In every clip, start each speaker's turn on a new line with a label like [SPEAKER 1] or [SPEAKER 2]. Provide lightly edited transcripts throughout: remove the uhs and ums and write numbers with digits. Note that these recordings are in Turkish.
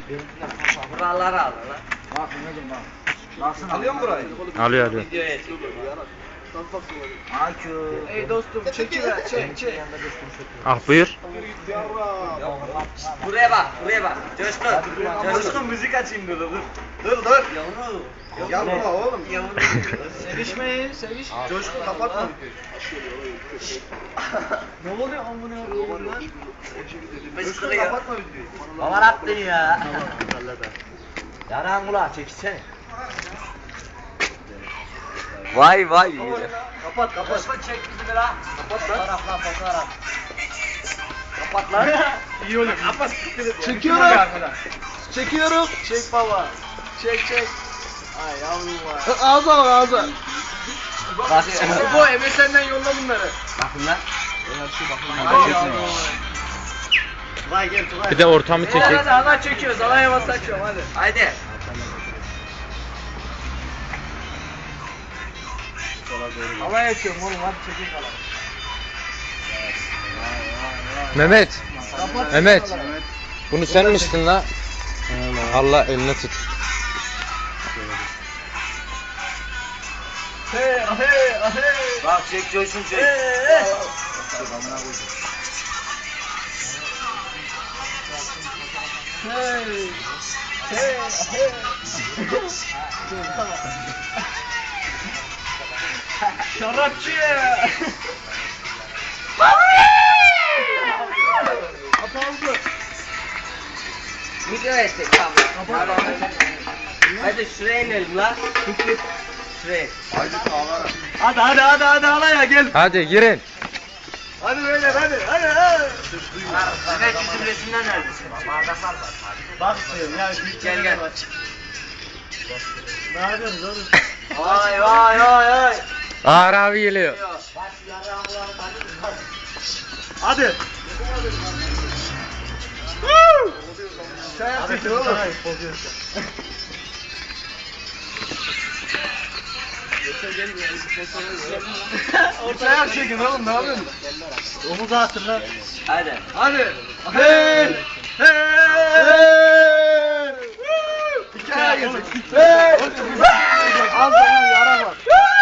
[SPEAKER 1] Buraları al lan.
[SPEAKER 2] Bak Mehmet'im bak. Nasıl alıyor mu burayı?
[SPEAKER 3] Alıyor.
[SPEAKER 1] Videoya çekiyor.
[SPEAKER 2] Akü.
[SPEAKER 4] Ey dostum çekiver çek.
[SPEAKER 3] Ah buyur.
[SPEAKER 1] Buraya bak, buraya bak. Coşkun.
[SPEAKER 4] Coşkun müzik açayım dur.
[SPEAKER 1] Dur. Yavru.
[SPEAKER 4] Yapma oğlum.
[SPEAKER 1] Yavru.
[SPEAKER 4] Sevişmeyin seviş. Coşkun kapatma. Ne oluyor amına koyayım lan? Coşkun kapatma videoyu.
[SPEAKER 1] Aman attın ya. Yaran kulağı çekilsene. Vay.
[SPEAKER 4] Kapat.
[SPEAKER 1] Coşkun çek bizi bir ha.
[SPEAKER 4] Kapat lan.
[SPEAKER 1] Fotoğraf. Kapat lan.
[SPEAKER 4] İyi olur. Kapat.
[SPEAKER 2] Çekiyorum. Çekiyorum.
[SPEAKER 4] Çek baba. Çek. Ay yavrum var.
[SPEAKER 2] Ağza bak ağza.
[SPEAKER 1] Bak.
[SPEAKER 4] Bu MSN'den yolla bunları.
[SPEAKER 1] Bakın lan.
[SPEAKER 4] Ay yavrum var. Vay gel Tugay.
[SPEAKER 3] Bir de ortamı çekek.
[SPEAKER 4] Hadi ana çekiyoruz. Ana havası açıyorum hadi.
[SPEAKER 1] Haydi.
[SPEAKER 4] Alay açıyorum oğlum hadi çekin kalan.
[SPEAKER 3] Mehmet. Mehmet. Bunu sen mi içtin la? Allah eline tut.
[SPEAKER 4] Hey.
[SPEAKER 1] Bak çek Coşkun çek.
[SPEAKER 4] Şarapçı. Kapandı.
[SPEAKER 1] Videoya çek tamam. Hadi şuraya inelim la. Şuraya.
[SPEAKER 4] Hadi alay ya gel.
[SPEAKER 3] Hadi girin.
[SPEAKER 4] Hadi beyler hadi.
[SPEAKER 1] Mehmet bizim resimden neredesin?
[SPEAKER 4] Bak ya
[SPEAKER 1] Gel.
[SPEAKER 4] Ne yapıyorsunuz oğlum?
[SPEAKER 1] Vay.
[SPEAKER 3] Ağır abi geliyor.
[SPEAKER 4] Hadi. Çay çekin oğlum. Ortaya çekin oğlum ne yapıyorsun? Omuzu hatırla.
[SPEAKER 1] Hadi.
[SPEAKER 4] Hadi. Hey. Hikaye gelecek. Al sana yara var.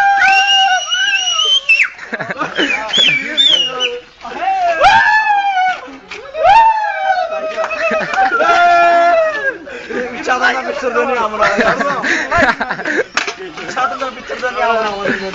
[SPEAKER 4] Üç adamla bitirdin ya amına koyayım. Üç adamla bitirdin ya amına koyayım.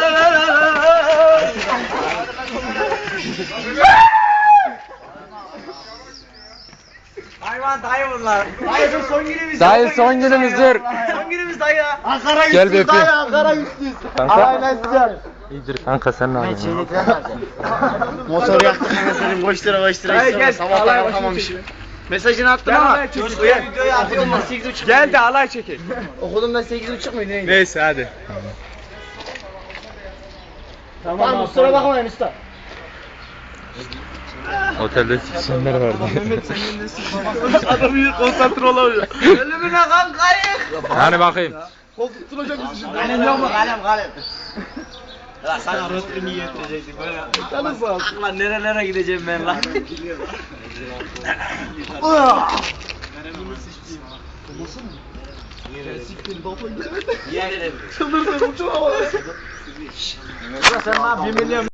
[SPEAKER 4] Hayvan dayı bunlar. Dayı son günümüz.
[SPEAKER 3] Dayı son günümüzdür.
[SPEAKER 4] Son günümüz dayı. Ankara
[SPEAKER 3] Gel bir öpeyim.
[SPEAKER 4] Ankara güçlüyüz.
[SPEAKER 3] Kanka. İyidir kanka sen ne yapıyorsun?
[SPEAKER 4] Motor yaktık anasını boş lira.
[SPEAKER 1] Dayı gel.
[SPEAKER 4] Sabah kalkamamışım. Mesajını attın ama.
[SPEAKER 1] Coşkuya videoyu atıyorum bak 8.30.
[SPEAKER 4] Gel de alay çekin.
[SPEAKER 1] Okudum ben 8.30 muydu neydi?
[SPEAKER 3] Neyse hadi.
[SPEAKER 4] Tamam kusura bakmayın usta.
[SPEAKER 3] Otelde sikişenler vardı.
[SPEAKER 4] Adam iyi konsantre olamıyor. Ölümüne kan kayık.
[SPEAKER 3] Hani bakayım.
[SPEAKER 4] Koltuk tutacak bizi şimdi.
[SPEAKER 1] Kalem yok mu? Kalem.
[SPEAKER 4] Ya sana rötünü yetecektik böyle.
[SPEAKER 1] Canım sağ olsun. Lan nerelere gideceğim ben lan? Niye gidelim?
[SPEAKER 4] Çıldırdım uçuyor. Sen ne yapayım biliyorum.